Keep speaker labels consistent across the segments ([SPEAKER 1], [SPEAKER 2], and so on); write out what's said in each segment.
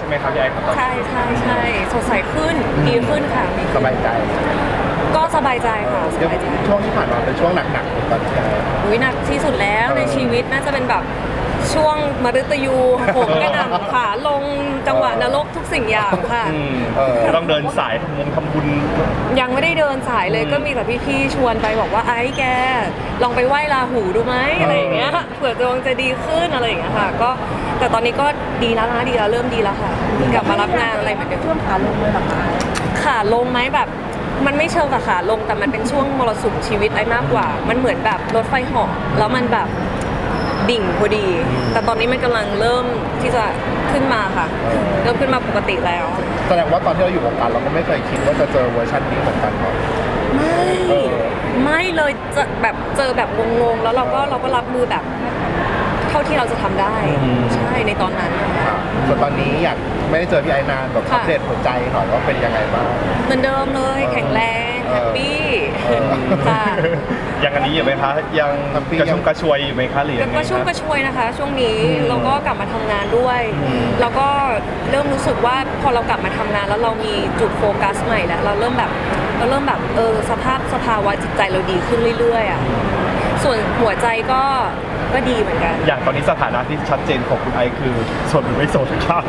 [SPEAKER 1] ไหมครับพี่ไอ้ครับ
[SPEAKER 2] ใช่สดใสขึ้นดีขึ้นค่ะ
[SPEAKER 3] สบายใจ
[SPEAKER 2] ก็สบายใจค่ะสบายใจ
[SPEAKER 3] ช่วงที่ผ่านมาเป็นช่วงหนักๆตอนนี้
[SPEAKER 2] อุ้ยหนักที่สุดแล้วในชีวิตน่าจะเป็นแบบช่วงมฤตยูโหมกระหน่ำขาลงจังหวะนรกทุกสิ่งอย่างค่ะ
[SPEAKER 1] ต้องเดินสายทำบุญ
[SPEAKER 2] ยังไม่ได้เดินสายเลยก็มีแต่พี่ๆชวนไปบอกว่าไอ้แกลองไปไหว้ราหูดูไหมอะไรอย่างเงี้ยเผื่อดวงจะดีขึ้นอะไรอย่างเงี้ยค่ะก็แต่ตอนนี้ก็ดีแล้วนะดีแล้วเริ่มดีแล้วค่ะกลับมารับงานอะไรเหมือนเดิม
[SPEAKER 4] ช่วงขาลงเลยหรอคะ
[SPEAKER 2] ขาลงไหมแบบมันไม่เชิงกับขาลงแต่มันเป็นช่วงมรสุมชีวิตไอ้มากกว่ามันเหมือนแบบรถไฟเหาะแล้วมันแบบดิ่งพอดีแต่ตอนนี้มันกำลังเริ่มที่จะขึ้นมาค่ะเริ่มขึ้นมาปกติแล้ว
[SPEAKER 3] แสดงว่าตอนที่เราอยู่วงการเราก็ไม่เคยคิดว่าจะเจอเวอร์ชันนี้เหมือนกันหรอก
[SPEAKER 2] ไม่เลยจะแบบเจอแบบงงๆแล้วเราก็รับมือแบบเท่าที่เราจะทำได้ใช่ในตอนนั้น
[SPEAKER 3] ส่วนตอนนี้อยากไม่ได้เจอพี่ไอ้นานแบบอัปเดตหัวใจหน่อยว่าเป็นยังไงบ้าง
[SPEAKER 2] เหมือนเดิมเลยแข็งแรงแฮปปี้ค่ะ
[SPEAKER 1] ยังอันนี้อยู่ไหมคะยังกระชุ่มกระชวยอยู่ไหมคะหรือยังไง
[SPEAKER 2] กระชุ่มกระชวยนะคะช่วงนี้เราก็กลับมาทำงานด้วยแล้วก็เริ่มรู้สึกว่าพอเรากลับมาทำงานแล้วเรามีจุดโฟกัสใหม่แล้วเราเริ่มแบบสภาวะจิตใจเราดีขึ้นเรื่อยๆอ่ะส่วนหัวใจก็ดีเหมือนกัน
[SPEAKER 1] อย่างตอนนี้สถานะที่ชัดเจนของคุณไอคือโสดหรือไม่โสดครับ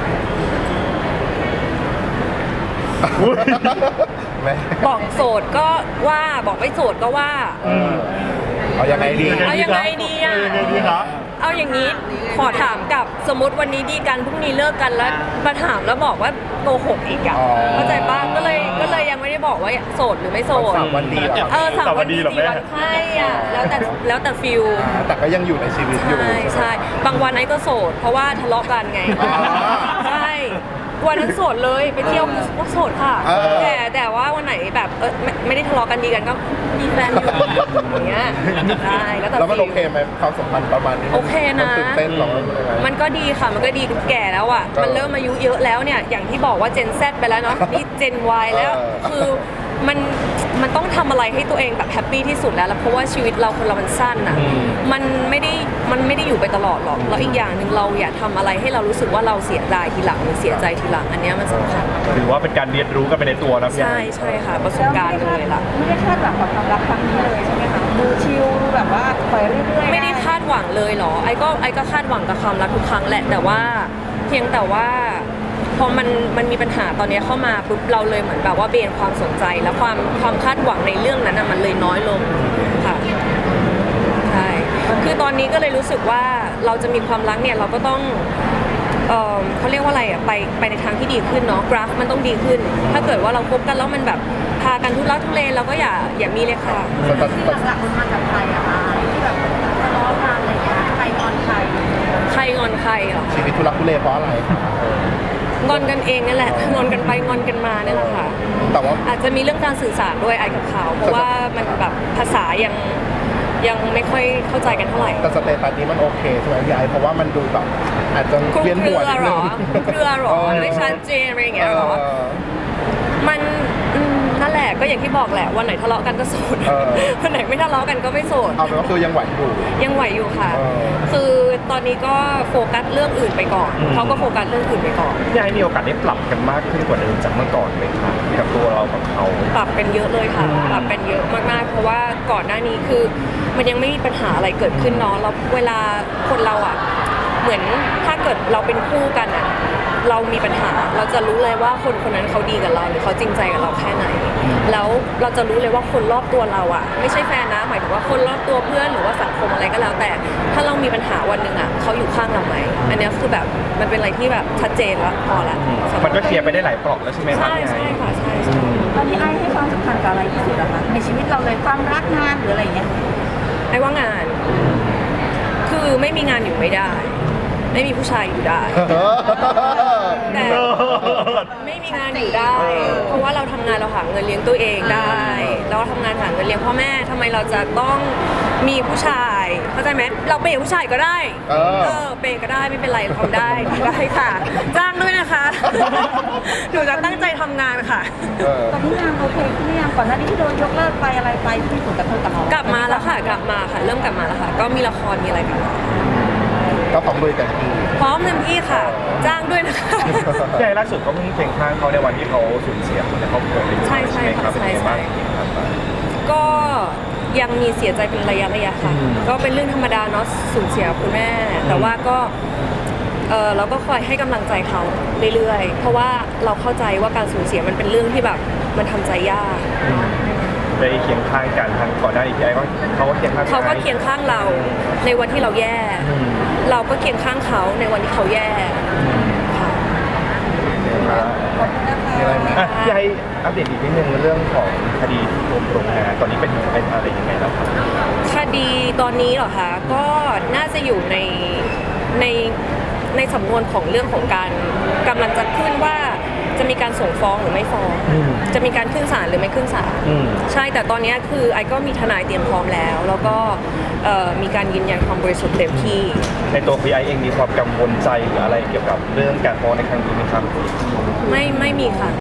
[SPEAKER 2] บอกโสดก็ว่าบอกไม่โสดก็ว่า
[SPEAKER 3] เอายังไงดี
[SPEAKER 2] อ่ะเอาอย่างนี้ขอถามกับสมมติวันนี้ดีกันพรุ่งนี้เลิกกันแล้วมาถามแล้วบอกว่าโกหกอีกอ่ะเข้าใจป่ะก็เลยยังไม่ได้บอกว่าโสดหรือไม่โสด
[SPEAKER 3] 3 วันดีหรอ
[SPEAKER 2] 3 วันดี4 วันไข้อ่ะแล้วแต่ฟิล
[SPEAKER 3] แต่ก็ยังอยู่ในชีวิตอยู่
[SPEAKER 2] ใช่บางวันไอ้ก็โสดเพราะว่าทะเลาะกันไงใช่วันนั้นโสดเลยไปเที่ยวก็โสดค่ะแต่ว่าวันไหนแบบไม่ได้ทะเลาะกันดีกันก็มีแฟนอยู่อย่างเงี้ยใช่
[SPEAKER 3] แล้วมันโอเคไหมความสัมพันธ์ประมาณนี้
[SPEAKER 2] โอเคนะ
[SPEAKER 3] ตื่นเต้นหรอ
[SPEAKER 2] มันก็ดีค่ะมันก็ดีแก่แล้วอ่ะมันเริ่มอายุเยอะแล้วเนี่ยอย่างที่บอกว่าเจน Z ไปแล้วเนาะนี่เจน Y แล้วคือมันต้องทำอะไรให้ตัวเองแบบแฮปปี้ที่สุดแล้วเพราะว่าชีวิตเราคนเรามันสั้นอ่ะมันไม่ได้อยู่ไปตลอดหรอกแล้วอีกอย่างหนึ่งเราอย่าทำอะไรให้เรารู้สึกว่าเราเสียดายทีหลังหรือเสียใจทีหลังอันนี้มันสำคัญ
[SPEAKER 1] ถือว่าเป็นการเรียนรู้กันไปในตัวนะพี่
[SPEAKER 2] ใช่ค่ะประสบการณ์เลยล่ะ
[SPEAKER 4] ไม่ได้คาดหวังกับความรักครั้งนี้เลยใช่ไหมคะดูชิลดูแบบว่าปล่อยเรื่อยๆ
[SPEAKER 2] ไม่ได้คาดหวังเลยหรอไอ้ก็คาดหวังกับความรักทุกครั้งแหละแต่ว่าเพียงแต่ว่าพอมันมีปัญหาตอนนี้เข้ามาปุ๊บเราเลยเหมือนแบบว่าเบนความสนใจและความคาดหวังในเรื่องนั้นมันเลยน้อยลงค่ะใช่คือตอนนี้ก็เลยรู้สึกว่าเราจะมีความรักเนี่ยเราก็ต้องเขาเรียกว่าอะไรอ่ะไปในทางที่ดีขึ้นเนาะกราฟมันต้องดีขึ้นถ้าเกิดว่าเราคบกันแล้วมันแบบพากันทุลักทุเลเราก็อย่ามีเลยค่ะ
[SPEAKER 4] ที่หลักๆมันมาจากใครอะคะที่แบบทะเลาะกันอะไรอย่างเงี้ยใครงอนใครง
[SPEAKER 2] อนใครเหรอ
[SPEAKER 3] ชีวิตทุลักทุเลเพราะอะไร
[SPEAKER 2] งอนกันเองนั่นแหละงอนกันไปงอนกันมาเนี่ยแหละค่ะ
[SPEAKER 3] แต่ว่า
[SPEAKER 2] อาจจะมีเรื่องการสื่อสารด้วยไอ้กับเขาเพราะว่ามันแบบภาษายังไม่ค่อยเข้าใจกันเท่าไหร่
[SPEAKER 3] แต่สเตตัสนี้มันโอเคใช่ไหมพี่ไอเพราะว่ามันดูแบบอาจจะเวียนหัวนิดนึง
[SPEAKER 2] เครือหรอไม่ชัดเจนอะไรอย่างเงี้ยหรอมันนั่นแหละก็อย่างที่บอกแหละวันไหนทะเลาะกันก็โสดวันไหนไม่ทะเลาะกันก็ไม่โสด
[SPEAKER 3] เอาเป็นว่าคือยังไหว
[SPEAKER 2] อยู่ค่ะคือตอนนี้ก็โฟกัสเรื่องอื่นไปก่อนเขาก็โฟกัสเรื่องอื่นไปก่อน
[SPEAKER 1] ยายมีโอกาสได้ปรับกันมากขึ้นกว่าเดิมจากเมื่อก่อนไหมคะกับตัวเรากับเขา
[SPEAKER 2] ปรับกันเยอะเลยค่ะปรับกันเยอะมากๆเพราะว่าก่อนหน้านี้คือมันยังไม่มีปัญหาอะไรเกิดขึ้นเนาะแล้วเวลาคนเราอ่ะเหมือนถ้าเกิดเราเป็นคู่กันอ่ะเรามีปัญหาเราจะรู้เลยว่าคนคนนั้นเขาดีกับเราหรือเขาจริงใจกับเราแค่ไหนแล้วเราจะรู้เลยว่าคนรอบตัวเราอ่ะไม่ใช่แฟนนะหมายถึงว่าคนรอบตัวเพื่อนหรือว่าสังคมอะไรก็แล้วแต่ถ้าเรามีปัญหาวันหนึ่งอ่ะเขาอยู่ข้างเราไหมอันนี้คือแบบมันเป็นอะไรที่แบบชัดเจนแล้วพอละ
[SPEAKER 1] มันก็เคลียร์ไปได้หลายเปราะแล้วใช่ไหมครับ
[SPEAKER 2] ใช่ค่ะใช่
[SPEAKER 4] ตอนนี้ไอ้ให้ความสำคัญกับอะไรที่สุดอะคะในชีวิตเราเลยความรักงานหรืออะไรเงี้ย
[SPEAKER 2] ไอ้ว่างานคือไม่มีงานอยู่ไม่ได้ไม่มีผู้ชายอยู่ได้แต่ไม่มีงานอยู่ได้เพราะว่าเราทำงานเราหาเงินเลี้ยงตัวเองได้เราทำงานหาเงินเลี้ยงพ่อแม่ทำไมเราจะต้องมีผู้ชายเข้าใจไหมเราเปย์ผู้ชายก็ได้เปย์ก็ได้ไม่เป็นไรทำได้ค่ะจ้างด้วยนะคะหนูจะตั้งใจทำงานค่ะ
[SPEAKER 4] ตอนนี้งานโอเคขึ้นหรือยังก่อนหน้านี้ที่โดนยกเลิกไปอะไรไปที่มีผลกระทบกับเรา
[SPEAKER 2] กลับมาแล้วค่ะเริ่มกลับมาแล้วค่ะก็มีละครมีอะไรกัน
[SPEAKER 3] ก็พร้อมลุยกันที่
[SPEAKER 2] พร้อมเต็มที่ค่ะจ้างด้วยนะคะ
[SPEAKER 1] พี่ไอ้ล่าสุดก็เพิ่งเคียงข้างเขาในวันที่เขาสูญเสียคนในครอบครัวไปด้วย
[SPEAKER 2] ใช่ใช่
[SPEAKER 1] ไหมครับ
[SPEAKER 2] ค่ะ
[SPEAKER 1] เป็นยังไงบ้าง
[SPEAKER 2] ใช่ ก็ยังมีเสียใจเป็นระยะค่ะ
[SPEAKER 1] อืม
[SPEAKER 2] ก็เป็นเรื่องธรรมดาเนาะสูญเสียคุณแม่ แต่ว่าก็เราก็คอยให้กำลังใจเขาเรื่อยๆ เพราะว่าเราเข้าใจว่าการสูญเสียมันเป็นเรื่องที่แบบมันทำใจยาก
[SPEAKER 1] ได้เคียงข้างกันทางก่อนหน้านี้พี่ไอ้ก็เขาก็เคียงข้าง
[SPEAKER 2] เขาก็เคียงข้างเราในวันที่เราแย่
[SPEAKER 1] อืม
[SPEAKER 2] เราก็เคียงข้างเขาในวันที่เขาแย่ค่ะ
[SPEAKER 3] มีอะไรไหม
[SPEAKER 1] อ่ะพี่ไอ้อัปเดตอีกนิดนึงเรื่องของคดีที่โรงงานตอนนี้เป็นอะไรยังไงแล้วครับ
[SPEAKER 2] คดีตอนนี้เหรอคะก็น่าจะอยู่ในในสำนวนของเรื่องของการกำลังจะขึ้นว่าจะมีการส่งฟ้องหรือไม่ฟ้อง
[SPEAKER 1] อืม
[SPEAKER 2] จะมีการขึ้นศาลหรือไม่ขึ้นศาล
[SPEAKER 1] อืม
[SPEAKER 2] ใช่แต่ตอนนี้คือไอก็มีทนายเตรียมพร้อมแล้ว แล้วก็มีการยืนยันความบริสุทธิ์เต็มที่
[SPEAKER 1] ในตัวพี่ไอ้เองมีความกังวลใจหรืออะไรเกี่ยวกับเรื่องการฟ้องในครั้งนี้ไหมครับ
[SPEAKER 2] ไม่มีค่ะ